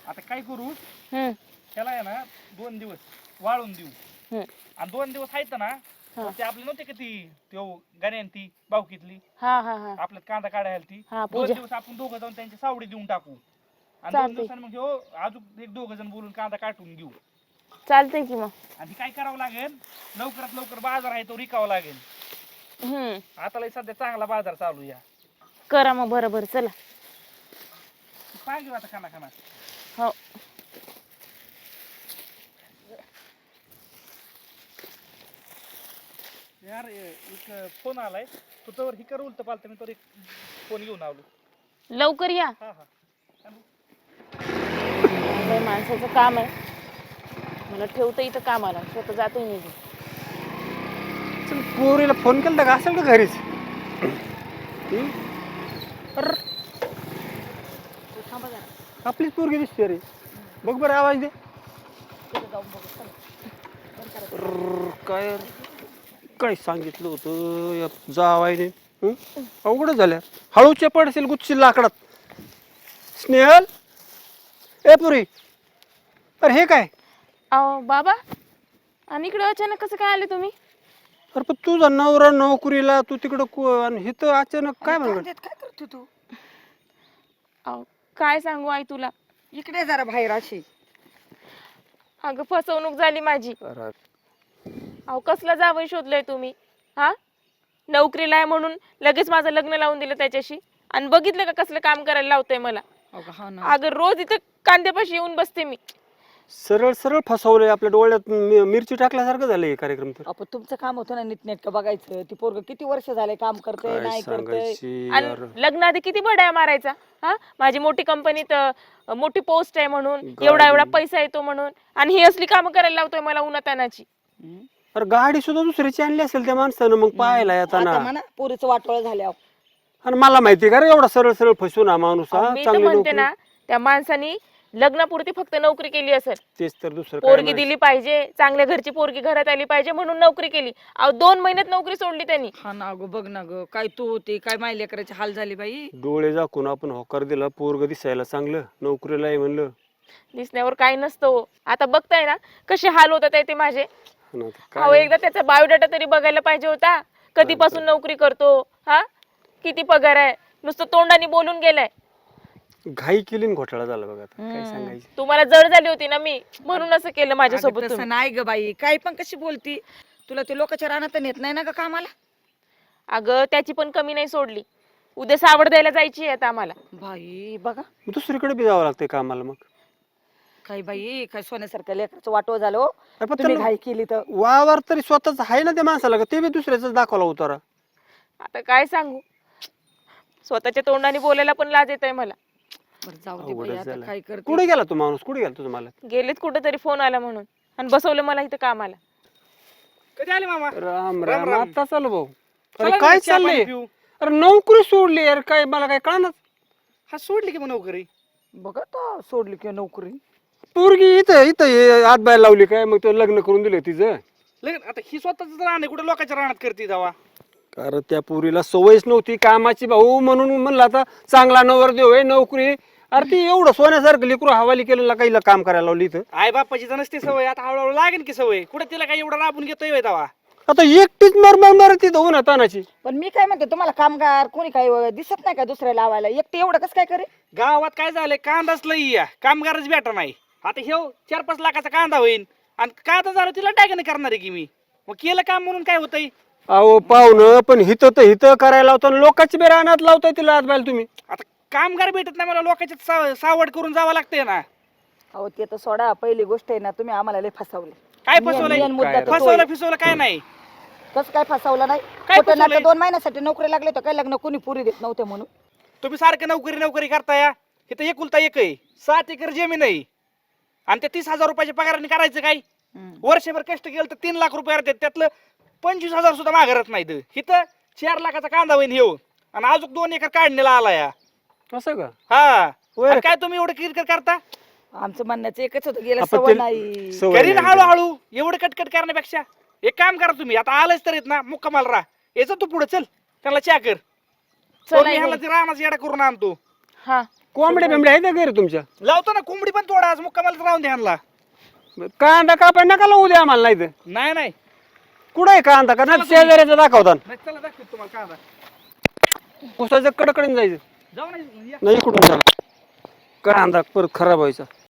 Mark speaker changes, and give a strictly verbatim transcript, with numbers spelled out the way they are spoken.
Speaker 1: आता काय करू
Speaker 2: हम्म
Speaker 1: त्याला आहे ना दोन दिवस वाळून देऊ
Speaker 2: हम्म
Speaker 1: आणि दोन दिवस आहेत ना
Speaker 2: हा.
Speaker 1: ते आपले नव्हते का ती त्यो गाण्यान ती बावकीतली
Speaker 2: हा हा हा
Speaker 1: आपल्यात कांदा काढायला ती
Speaker 2: हा,
Speaker 1: दोन
Speaker 2: पूजा.
Speaker 1: दिवस आपण दोघं जाऊन त्यांची सावडी देऊन टाकू आणि दोन
Speaker 2: चालतंय.
Speaker 1: दिवसांनी मग ह्यो अजून एक दोघं जण बोलून कांदा काढून घेऊ
Speaker 2: चालतंय की मग.
Speaker 1: आणि काय करावं लागेल लवकरात लवकर बाजार आहे तो रिकावा लागेल.
Speaker 2: हम्म
Speaker 1: आता लय सध्या चांगला बाजार चालू या
Speaker 2: करा मग बरोबर चला.
Speaker 1: सांग आता खाना खाना
Speaker 2: हो
Speaker 1: यार एक फोन आलाय तू तर ही कर उलट पालत मी तर एक फोन घेऊन आलो.
Speaker 2: लवकर या.
Speaker 1: हा हा
Speaker 2: लय माणसाचं काम आहे. मला ठेवतं इथं कामाला स्वतः जातोय निघून.
Speaker 3: चल पोरीला फोन केला का असेल का घरीच? हम्म? अरे
Speaker 2: थांबा जरा.
Speaker 3: आपलीच पोरगी दिसते रे. बघ बरं आवाज दे.
Speaker 2: तिथं जाऊन बघू चला. बंद करा.
Speaker 3: अर्र, काय काय सांगितलं होतं या जावायने? हं? अवघड झाल्या हळूच्या पडशील गुच्छी लाकडात. स्नेहल ए पुरी अरे हे काय?
Speaker 2: अहो बाबा आणि इकडे अचानक कसं काय आले तुम्ही?
Speaker 3: अरे पण तुझा नवरा नोकरीला तू तिकडं को- आणि हे तर अचानक काय म्हणत?
Speaker 4: काय करतो तू?
Speaker 2: अहो काय सांगू आई तुला.
Speaker 4: इकडे जरा बाहेर अशी.
Speaker 2: अगं फसवणूक झाली माझी. अहो कसला जावई शोधलंय तुम्ही? हा नोकरीला आहे म्हणून लगेच माझं लग्न लावून दिलं त्याच्याशी आणि बघितलं का कसलं काम करायला लावतंय मला.
Speaker 4: अगं हा ना.
Speaker 2: अगं रोज इथं कांद्यापाशी येऊन बसते मी.
Speaker 3: सरळ सरळ फसवलंय आपल्या डोळ्यात मि- मिरची टाकल्यासारखं झालंय कार्यक्रम तर.
Speaker 4: आपण तुमचं काम होतं ना नीटनेटकं बघायचं. ती पोरग किती वर्ष झाले काम करते
Speaker 3: काय
Speaker 4: नाही करते.
Speaker 3: सांगायची
Speaker 2: आणि
Speaker 3: यार.
Speaker 2: लग्नाआधी किती बड्या मारायचा. हा माझी मोठी कंपनीत अं, मोठी पोस्ट आहे म्हणून एवढा एवढा पैसा येतो म्हणून आणि ही असली कामं करायला लावतोय मला उन्हातानाची.
Speaker 4: हम्म.
Speaker 3: अरे गाडी सुद्धा दुसऱ्याची आणली असेल त्या माणसानं मग पाहायला येताना.
Speaker 4: आता म्हणा पोरीचं वाटोळ झाल्या.
Speaker 3: आणि मला माहिती का रे एवढा सरळ सरळ फसवून हा माणूस हा
Speaker 2: अहो, मी तर
Speaker 3: चांगली
Speaker 2: म्हणते
Speaker 3: नोकरी.
Speaker 2: ना त्या माणसानी लग्नापुरती फक्त नोकरी केली असेल.
Speaker 3: तेच तर दुसरं काय
Speaker 2: पोरगी
Speaker 3: माहिती.
Speaker 2: दिली पाहिजे चांगल्या घरची पोरगी घरात आली पाहिजे म्हणून नोकरी केली. अहो दोन महिन्यात नोकरी सोडली त्यांनी.
Speaker 4: हा ना अगं बघ ना ग काय तू होती काय माय लेकराची हाल झाली बाई.
Speaker 3: डोळे झाकून आपण होकार दिला पोरग दिसायला चांगलं नोकरीला आहे म्हणलं.
Speaker 2: दिसण्यावर काही नसतं हो. आता बघताय ना कसे हाल होतात आहे ते माझे.
Speaker 3: आणि आता
Speaker 2: अहो
Speaker 3: काय
Speaker 2: एकदा त्याचा बायोडाटा तरी बघायला पाहिजे होता. कधीपासून नोकरी करतो हा किती पगार आहे नुसतं तोंडाने बोलून गेलाय.
Speaker 3: घाई केली आणि घोटाळा झाला बघा आता काय
Speaker 4: हम्म.
Speaker 3: सांगायचं.
Speaker 2: तुम्हाला जड झाली होती ना मी म्हणून असं केलं माझ्यासोबत
Speaker 4: अगं
Speaker 2: तुम्ही.
Speaker 4: तसं नाही ग बाई काय पण कशी बोलती. तुला ते लोकांच्या रानात नेत नाही ना ग कामाला.
Speaker 2: अगं त्याची पण कमी नाही सोडली. उद्या सावड द्यायला जायची आहे आता आम्हाला.
Speaker 4: बाई बघा
Speaker 3: मग दुसरीकडे बी जावं लागतंय कामाला मग.
Speaker 4: काय बाई काय सोन्यासारख्या लेकराचं वाटोळ झालं हो.
Speaker 3: अरे पण
Speaker 4: तुम्ही
Speaker 3: त्याला
Speaker 4: घाई केली तर.
Speaker 3: वावर तरी स्वतःच आहे ना त्या माणसाला का ते बी दुसऱ्याच दाखवला उतारा.
Speaker 2: आता काय सांगू स्वतःच्या तोंडाने बोलायला पण लाज येत आहे मला.
Speaker 4: बरं जाऊ दे बाई
Speaker 3: अवघडच
Speaker 4: आता
Speaker 3: झालं.
Speaker 4: काय करते.
Speaker 3: कुठे गेला तो माणूस कुठे गेला तुझा मला?
Speaker 2: गेलेत कुठेतरी फोन आला म्हणून आणि बसवलं मला इथं कामाला.
Speaker 1: कधी आले मामा
Speaker 3: राम
Speaker 1: राम
Speaker 3: राम
Speaker 1: राम.
Speaker 3: आता चालू भाऊ.
Speaker 1: चला
Speaker 3: अरे
Speaker 1: ना,
Speaker 3: काय
Speaker 1: चहा पाणी
Speaker 3: चाललंय?
Speaker 1: पिऊ.
Speaker 3: अरे नोकरी सोडली यार काय मला काय कळणार.
Speaker 1: हा सोडली की मग नोकरी.
Speaker 4: बघा तर सोडली की नोकरी.
Speaker 3: पोरगी इथं इथं हे हात बाय लावली काय मग तो लग्न करून दिलं तिचं.
Speaker 1: लगेच आता ही स्वतःच राहणे कुठे लोकांच्या रानात करते जावा.
Speaker 3: कारण त्या पोरीला सवयच नव्हती कामाची भाऊ म्हणून म्हणलं आता चांगला नवरदेव आहे नोकरी. अरे ती एवढं सोन्यासारखं लेकरू हवाली केलेला काही काम करायला लावली इथं.
Speaker 1: आई बापाची तर नसते सवय आता हळूहळू लागेल की सवय कुठे तिला काही एवढं राबून घेतोय जावा.
Speaker 3: आता एकटीच मरमर मर तिथं होऊन तानाची.
Speaker 4: पण मी काय म्हणते तुम्हाला कामगार कोणी काय दिसत नाही का दुसऱ्या लावायला एकटे एवढं कसं काय करे.
Speaker 1: गावात काय झालंय कांदाच लई या कामगारच भेटा नाही. आता हे चार पाच लाखाचा कांदा होईल आणि काय आता झालं तिला टाकणे करणार आहे की मी मग केलं काम म्हणून काय होतंय.
Speaker 3: अहो पाहुणं पण हिथं तर हिथं करायला लावता लोकांची बी रानात लावताय तिला हात बायला तुम्ही.
Speaker 1: आता कामगार भेटत नाही मला लोकांच्या सा- सावड करून जावं लागतंय ना.
Speaker 4: अहो ते तर सोडा पहिली गोष्ट आहे ना तुम्ही आम्हाला लय फसवले.
Speaker 1: काय
Speaker 4: मेन-
Speaker 1: फसवलंय
Speaker 4: मेन मुद्दा तर तो
Speaker 1: फसवलं
Speaker 4: आहे.
Speaker 1: फिसवलं काय नाही.
Speaker 4: कसं काय फसवलं नाही.
Speaker 1: काय
Speaker 4: खोटं
Speaker 1: फसवलंय?
Speaker 4: नाटं दोन महिन्यासाठी नोकरी लागले तर काय लग्न कोणी पुरी देत नव्हते म्हणून.
Speaker 1: तुम्ही सारखं नोकरी नोकरी करताय इथं एकुलता एक आहे सात एकर जमीन आहे आणि त्या तीस हजार रुपयाच्या पगाराने करायचं काय. वर्षभर कष्ट केलं तर तीन लाख रुपये येतात त्यातलं पंचवीस हजार सुद्धा माघारत नाहीत. इथं चार लाखाचा कांदा होईन हे आणि अजून दोन एकर काढणीला आला या.
Speaker 3: असं का?
Speaker 1: हा
Speaker 3: होय.
Speaker 1: आणि काय तुम्ही एवढं किरकिर करता.
Speaker 4: आमचं म्हणण्याचं एकच होतं गेलं
Speaker 3: आपण
Speaker 4: सवय
Speaker 3: ते-
Speaker 4: नाही.
Speaker 3: सवय
Speaker 1: घरी
Speaker 3: नाही.
Speaker 1: हळूहळू एवढं कटकट करण्यापेक्षा एक काम करा तुम्ही आता आलंच तर येत ना मुक्कामाल राहा याचं तू पुढे चल त्याला चहा कर.
Speaker 2: चला
Speaker 1: ह्याला
Speaker 2: घरी.
Speaker 1: रानाचा येडा करून आणतो.
Speaker 2: हा
Speaker 3: कोंबड्या बिंबड्या आहेत का घरी तुमच्या?
Speaker 1: लावतो ना कोंबडी पण तोडा आज मुक्कामाला राहून द्या ह्यांना.
Speaker 3: कांदा कापाय नका लावू द्या आम्हाला नाही तर.
Speaker 1: नाही नाही
Speaker 3: कुठं आहे कांदा का नाही शेजाऱ्याचा दाखवता
Speaker 1: नाही, चला दाखवतो तुम्हाला कांदा.
Speaker 3: उसाचं कडकडीन जायचं
Speaker 1: जाऊ नाही
Speaker 3: नाही कुठून झाला कांदा परत खराब व्हायचा.